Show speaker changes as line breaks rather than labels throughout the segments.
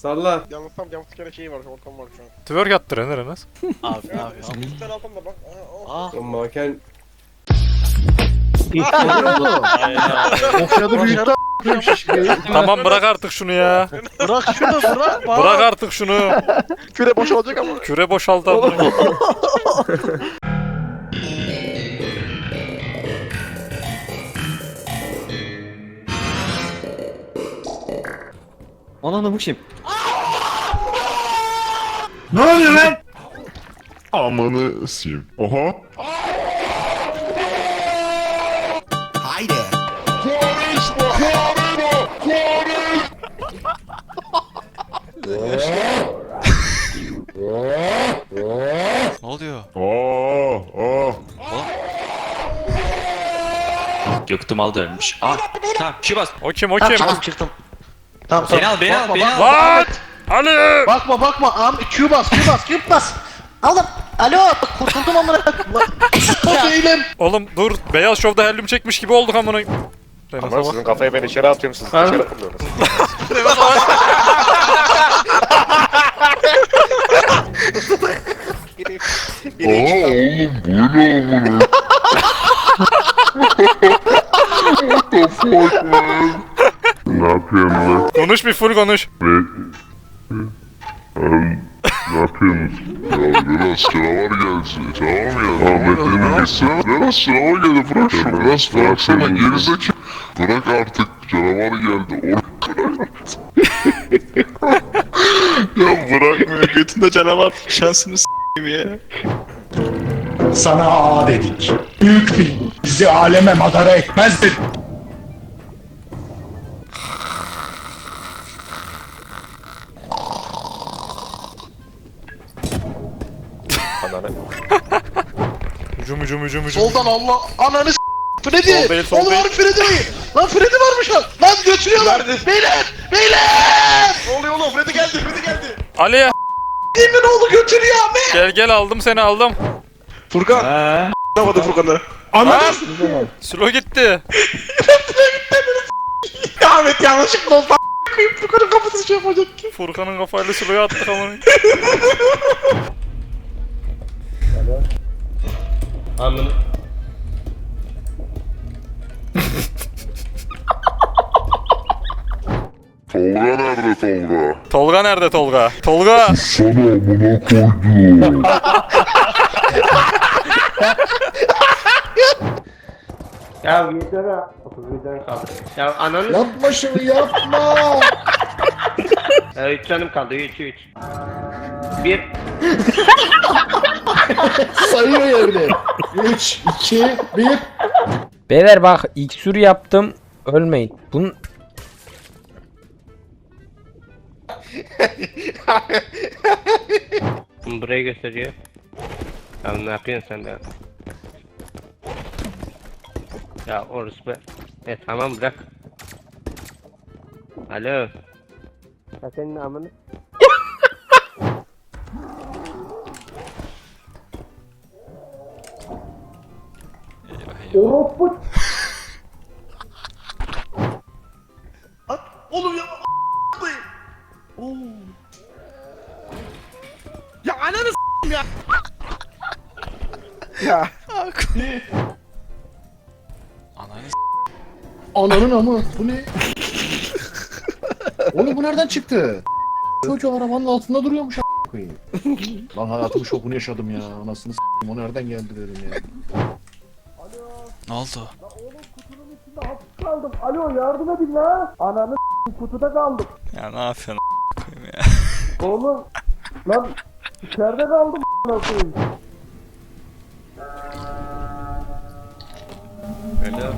Salla.
Yalnız kere şeyi var, ortam var şu an.
Twerk attırın Enes.
Abi
Ya,
abi.
bir tane altında bak.
Aa.
Lan manken.
Okşadı büyüttü
Tamam bırak artık şunu ya.
Bırak şunu bırak.
Bırak artık şunu.
Küre boşalacak ama.
Küre boşaltalım.
Ananı bu kim?
Amanı siyim. Oha.
Ne oluyor?
Aa.
Göktüm aldı ölmüş. Aa tamam kişi bas.
O kim o kim?
Çıktım.
Tamam
Beni al beni al beni al.
Lan! Ali!
Bakma Q bas. Aldım. Alo kurtuldum amına. O değilim.
Oğlum dur. Beyaz Şov'da helyum çekmiş gibi olduk amına.
Ama sizin kafayı ben içeri atıyorum, siz dışarı atıyorsunuz.
Aa oğlum bu ne amına? What the fuck man? Ne yapıyorsun lan?
Konuş bir full konuş.
Ne yapıyorsun? Ya biraz canavar gelsin. Tamam ya. Ahmet'in gitsene. Biraz canavar geldi. Bırak şunu. Biraz bıraksana. Gerizekalı. Bırak artık. Canavar geldi. Ya bırakmıyor. Götünde canavar. Şansını s***im ya.
Sana ağa dedik. Büyük fil. Bizi aleme madara etmez dedik.
Hücum.
Soldan Allah ananı s***. Freddy.
Sol değil, sol
Oğlum
değil.
var Freddy mi? Lan Freddy varmış lan. Lan götürüyorlar. Beyler.
Ne oluyor oğlum? Freddy geldi.
Ali!
Emin oğlu götürüyor abi.
Gel aldım seni aldım.
Furkan. Anlamadım Furkan'ı.
Lan! Sülo gitti.
Ahmet yanlışlıkla oldu. Furkan'ın kafası şey yapacak ki.
Furkan'ın kafayla Sülo'ya attık amına.
Anladım.
Tolga nerede Tolga?
Tolga nerede Tolga? Tolga!
Sana amına koydum.
Ya yeter ha. 31'den kaldı. Ya ananı...
Yapma şunu yapma.
3 canım kaldı. 3. 1.
Sayıyor yerine. 3, 2, 1.
Beyler bak iksür yaptım. Ölmeyin. Bunun
Burayı gösteriyor. Ya ne yapıyorsun sen be? Ya orası be. Tamam bırak. Alo. Ya senin amını.
Oğlum ya. Ya ananı s***im ya.
Ya.
Ananın amı. Bu ne? Oğlum bu nereden çıktı? Çocuğu arabanın altında duruyormuş a**a koyayım. Lan hayatımın şokunu yaşadım ya. Anasını s***im o nereden geldi dedim ya.
Ne oldu?
Alo yardım edin la. Ananı s***im kutuda kaldım.
Ya ne yapıyorsun a**ayım ya?
Oğlum. Lan içeride kaldım a**a koyayım.
Alo.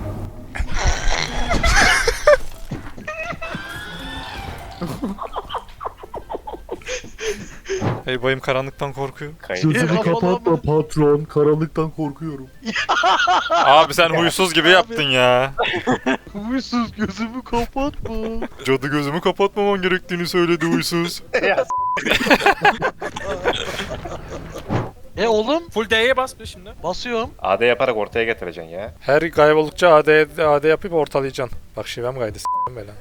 Hey bayım karanlıktan korkuyor.
Gözümü kapatma patron. Karanlıktan korkuyorum.
Abi sen huysuz gibi yaptın ya.
Huysuz gözümü kapatma.
Cadı gözümü kapatmaman gerektiğini söyledi huysuz.
Oğlum
Full D'ye bas bir şimdi.
basıyorum.
AD yaparak ortaya getireceksin ya.
Her kayboldukça AD yapıp ortalayacaksın. Bak şivem kaydı s**tim böyle.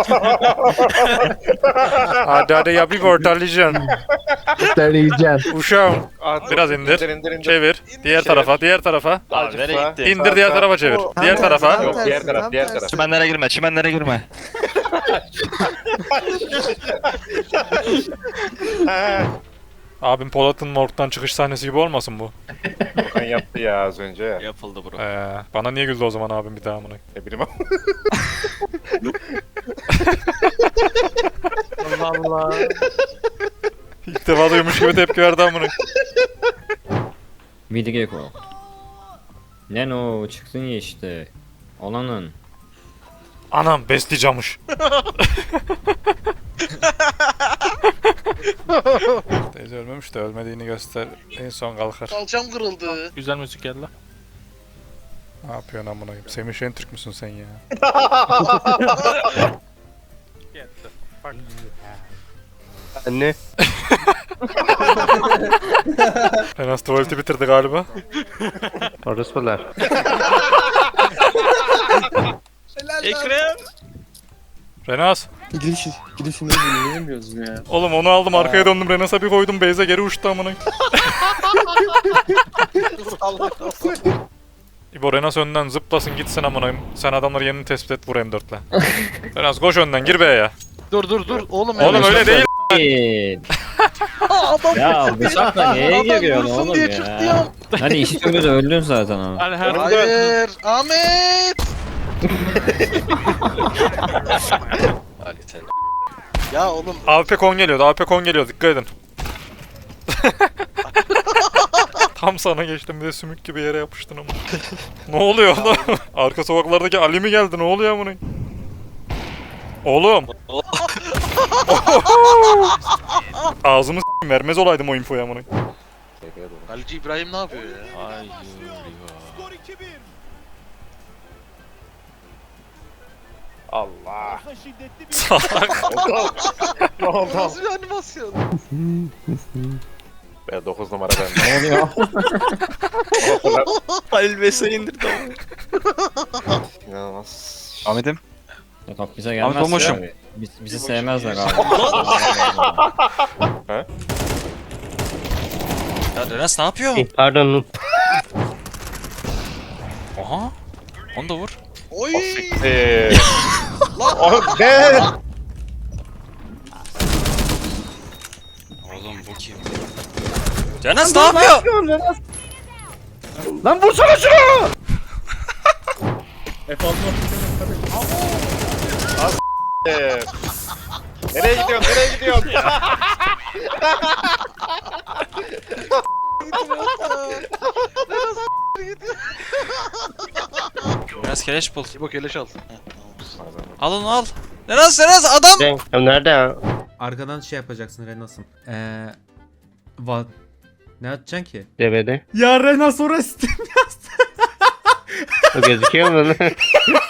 AD yapıp ortalayacaksın.
Söyleyeceğim.
Uşağım. Biraz indir.
İndir.
Çevir. Diğer tarafa, diğer tarafa.
Azıcık
nereye
sağ.
gitti?
İndir diğer tarafa çevir. Diğer tarafa.
Yok diğer taraf, diğer taraf.
Çimenlere girme, çimenlere girme.
Abim Polat'ın morgdan çıkış sahnesi gibi olmasın bu?
Furkan yaptı ya az önce.
Yapıldı bro.
Bana niye güldü o zaman abim bir daha amına?
Ne bileyim ama.
Allah Allah.
İlk defa duymuş gibi tepki verdi amına.
Midgecko. Neno çıksın ya işte. Olanın.
Anam besleyeceğimmiş. Teyze ölmemiş de ölmediğini göster. En son kalkar.
Kalçam kırıldı.
Güzel müzik geldi.
Ne yapıyorsun amına? Semih Şentürk müsün sen ya?
Yetti. Bak.
Anne.
Enas tuvaleti bitirdi galiba.
Orospular.
Ekrem.
Renas.
Gidişini dinleyemiyoruz ya.
Oğlum onu aldım arkaya döndüm Renas'a bir koydum Beyze geri uçtu amına. İbo Renas önden zıplasın gitsin amına. Sen adamları yerini tespit et vur M4'le. Renas koş önden gir B'ye.
Dur. Oğlum
Öyle değil.
Ya bıçakla neye giriyorsun
vursun
oğlum
diye
ya?
çıktı ya.
Hadi işi kömür öldün zaten ama.
Hadi her
Hayır. Ahmet. Ya oğlum.
AWP kon geliyordu AWP kon geliyor dikkat edin. Tam sana geçtim bir de sümük gibi yere yapıştın ama. Ne oluyor oğlum? Arka sokaklardaki Ali mi geldi ne oluyor amına? Oğlum. Ağzımı s**eyim, vermez olaydım o infoyu amına.
Kaleci İbrahim ne yapıyor ya?
Ay
Allah.
Salak.
Ne oldu?
Nasıl bir animasyon?
Ben 9 numara ben.
Ne oluyor?
Halil Mesut'u indirdi.
İnanılmaz.
Ahmet'im.
Yok bize gelmez
Tomuş'um.
abi. Bizi sevmezler abi.
Ya Renas ne yapıyor?
Pardon.
Aha. Onu da vur.
Oy.
Oğlum ne?
Oğlum bu kim? Renas ne yapıyor?
Lan vursana şunu!
Nereye gidiyorsun? Nereye gidiyorsun?
Renas keleş bul.
İbo keleş al.
Al onu al. Renas adam.
Ya nerede ya?
Arkadan şey yapacaksın Renas'ım. Ne atacaksın ki?
DVD.
Ya Renas orası Steam yazdı.
O gözüküyor mu?